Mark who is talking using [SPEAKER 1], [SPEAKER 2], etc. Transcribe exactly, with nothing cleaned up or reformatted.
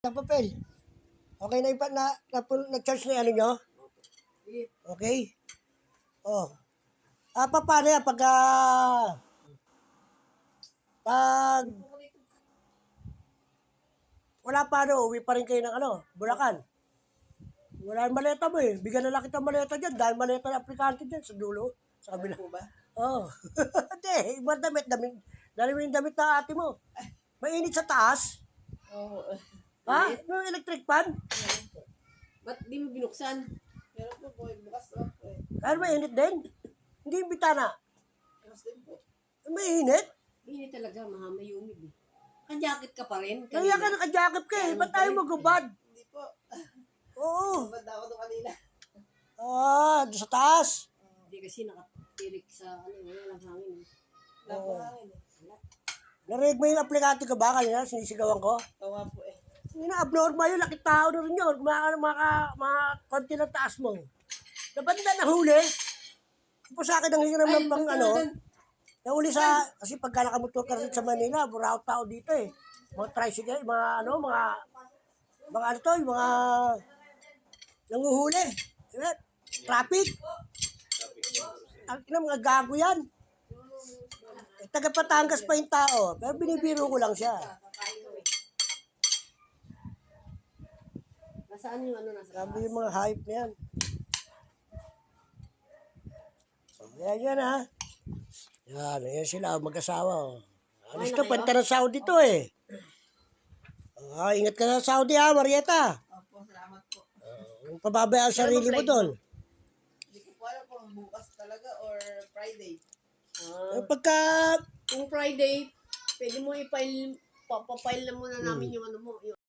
[SPEAKER 1] Ng papel. Okay na ipa na, na, na charge na yung ano nyo? Okay? Oh. Ah, pa, paano yan? Pag, ah, pag, wala pa ano, uwi pa rin kayo ng ano, Bulacan. Wala yung maleta mo eh. Bigyan na lang kita maleta dyan. Dahil maleta ng aplikante dyan sa dulo. Sa kabila.
[SPEAKER 2] Ano po ba?
[SPEAKER 1] Oo. Oh. Hindi, ibang damit. damit dahil mo yung damit na ate mo. Mainit sa taas.
[SPEAKER 2] Oo.
[SPEAKER 1] Ha? Yung electric fan?
[SPEAKER 2] Ba't di mo binuksan? Meron po po, bukas lang po eh.
[SPEAKER 1] Dahil mainit din. Hindi yung bitana.
[SPEAKER 2] Bukas din po.
[SPEAKER 1] Mainit.
[SPEAKER 2] Hindi talaga, mga may humid eh. Ka-jacket ka pa rin.
[SPEAKER 1] Kaya ka naka-jacket ka eh. Ba't tayo magubad?
[SPEAKER 2] Hindi po.
[SPEAKER 1] Oo.
[SPEAKER 2] Bad ako doon kanina.
[SPEAKER 1] Ah, doon sa taas.
[SPEAKER 2] Hindi kasi nakatirik sa ano, wala lang hangin eh. Wala
[SPEAKER 1] Oo.
[SPEAKER 2] po hangin eh. Wala.
[SPEAKER 1] Narinig mo yung aplikante ka ba kanina? Sinisigawan ko?
[SPEAKER 2] Oo nga po eh.
[SPEAKER 1] Hindi na, abnormal yun. Laki tao na rin yun. Mga, mga, mga konti ng taas mo. Dapat na nahuli. Ipo sa akin ang hiram ng pang
[SPEAKER 2] basta
[SPEAKER 1] ano.
[SPEAKER 2] na dun.
[SPEAKER 1] Nahuli sa, kasi pagka nakamotor ka rin sa Manila, burao tao dito eh. Mga tricycle, mga ano, mga, mga ano to, yung mga nanguhuli. Diba? Traffic. Ang ina, mga gago yan. Eh, taga Patangas pa yung tao. Pero binibiro ko lang siya.
[SPEAKER 2] Nasaan yung ano nasa
[SPEAKER 1] Sabi yung mga hype na yan. So, yan yan ha. Yan, yan sila, mag-asawa. Oh. Alis to, panta ng Saudi to eh. Ah, ingat ka sa Saudi ha, Marieta.
[SPEAKER 2] Opo, salamat po.
[SPEAKER 1] Uh, pababayaan ang sarili mo doon.
[SPEAKER 2] Hindi ko po alam kung bukas talaga or Friday.
[SPEAKER 1] Eh, pagka,
[SPEAKER 2] Kung Friday, pwede mo i-file, papapile na muna namin yung ano mo, yung